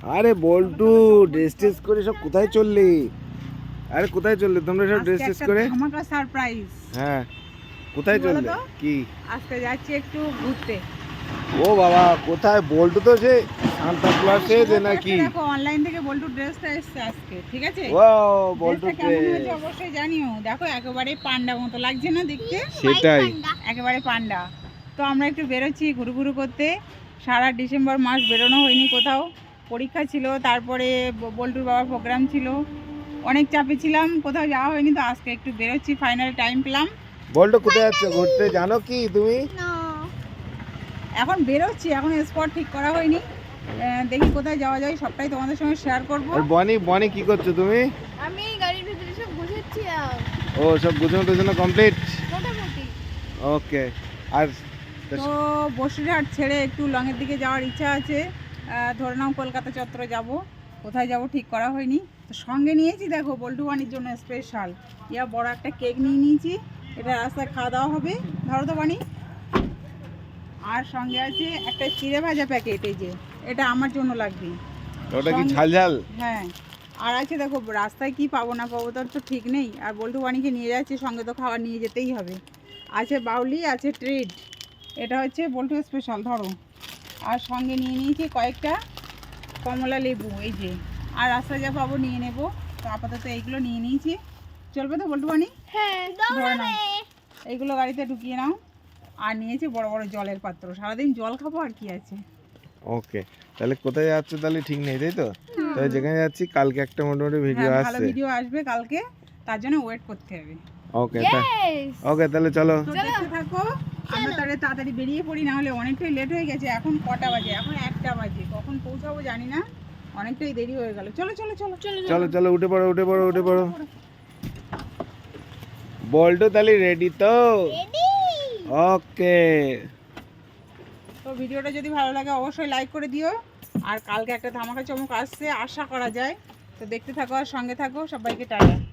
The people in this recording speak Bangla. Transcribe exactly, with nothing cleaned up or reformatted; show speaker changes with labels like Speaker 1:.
Speaker 1: আরে বল্টু ড্রেস টেস করে সব কোথায় চললি? আরে কোথায় চললে তোমরা সব ড্রেস টেস করে?
Speaker 2: ধামাকা সারপ্রাইজ।
Speaker 1: হ্যাঁ কোথায় চললে? কি
Speaker 2: আজকে যাচ্ছি একটু ঘুরতে।
Speaker 1: ও বাবা কোথায়? বল্টু তো সে সান্তা ক্লজে যে নাকি?
Speaker 2: দেখো অনলাইন থেকে বল্টু ড্রেসটা এসেছে আজকে, ঠিক আছে?
Speaker 1: ও বল্টু
Speaker 2: কেমন হয়েছে অবশ্যই জানিও। দেখো একেবারে পান্ডা মতো লাগছে না দেখতে?
Speaker 1: সেটাই,
Speaker 2: একেবারে পান্ডা। তো আমরা একটু বেরোচ্ছি ঘুরু ঘুরু করতে। সারা ডিসেম্বর মাস বেরোনো হয়নি কোথাও, পরীক্ষা ছিল, তারপরে বল্টুর বাবার প্রোগ্রাম ছিল, অনেক চাপে ছিলাম, কোথাও যাওয়া হয়নি। তো আজকে একটু বেরোচ্ছি, ফাইনাল টাইম পেলাম।
Speaker 1: বল্টু কোথায় যাচ্ছ ঘুরতে জানো কি তুমি?
Speaker 2: এখন বেরোচ্ছি, এখন স্পট ঠিক করা হয়নি, দেখি কোথায় যাওয়া যায়, সবটাই তোমাদের সঙ্গে শেয়ার করবো।
Speaker 1: আর বনি বনি কি করছো তুমি?
Speaker 3: আমি গাড়ির ভিতরে সব গুছাচ্ছি।
Speaker 1: ও সব গুছানো টুছানো কমপ্লিট?
Speaker 3: মোটামুটি।
Speaker 1: ওকে। আর
Speaker 2: তো বসিরহাট ছেড়ে একটু লংয়ের দিকে যাওয়ার ইচ্ছা আছে। ধরে নাও কলকাতা চত্বরে যাব, কোথায় যাব ঠিক করা হয়নি। তো সঙ্গে নিয়েছি দেখো বল্টু বানির জন্য স্পেশাল ইয়া বড় একটা কেক নিয়ে নিয়েছি, এটা রাস্তায় খাওয়া দাওয়া হবে। ধরো তো বানি। আর সঙ্গে আছে একটা চিড়ে ভাজা প্যাকেট, এই যে এটা আমার জন্য লাগবে।
Speaker 1: ওটা কি ঝাল ঝাল?
Speaker 2: হ্যাঁ। আর আছে দেখো রাস্তায় কি পাবো না পাবো তার তো ঠিক নেই, আর বল্টু বানিকে নিয়ে যাচ্ছি সঙ্গে, তো খাবার নিয়ে যেতেই হবে। আছে বাউলি, আছে ট্রিট, এটা হচ্ছে বল্টু স্পেশাল ধরো। আর সঙ্গে নিয়ে নিয়েছি কয়েকটা কমলা লেবু, এই যে। আর রাস্তায় যা পাবো নিয়ে নেব। তো আপাতত এইগুলো নিয়ে নিয়েছি, চলবে তো বল্টু বানি?
Speaker 3: হ্যাঁ
Speaker 2: ধরে নাও, এইগুলো গাড়িতে ঢুকিয়ে নাও। আর নিয়েছি বড় বড় জলের পাত্র, সারাদিন জল খাবো আর কি আছে।
Speaker 1: ওকে, তাহলে কোথায় যাচ্ছ তাহলে ঠিক নেই তাই তো? তাহলে যেখানে যাচ্ছি কালকে একটা মোটামুটি ভিডিও
Speaker 2: হ্যাঁ,
Speaker 1: আসছে,
Speaker 2: ভালো ভিডিও আসবে কালকে, তার জন্য ওয়েট করতে হবে।
Speaker 1: ওকে ওকে তাহলে চলো
Speaker 2: তো দেখতে থাকো। আমরা তাহলে তাড়াতাড়ি বেরিয়ে পড়ি, না হলে অনেকটাই লেট হয়ে গেছে। এখন কটা বাজে? এখন একটা বাজে, কখন পৌঁছাবো জানি না, অনেকটাই দেরি হয়ে গেল। চলো চলো চলো চলো
Speaker 1: চলো চলো উঠে পড়ো উঠে পড়ো উঠে পড়ো। বল্টু তাহলে রেডি তো? ওকে।
Speaker 2: তো ভিডিওটা যদি ভালো লাগে অবশ্যই লাইক করে দিও। আর কালকে একটা ধামাকা চমক আসছে আশা করা যায়, তো দেখতে থাকো আর সঙ্গে থাকো। সবাইকে টাটা।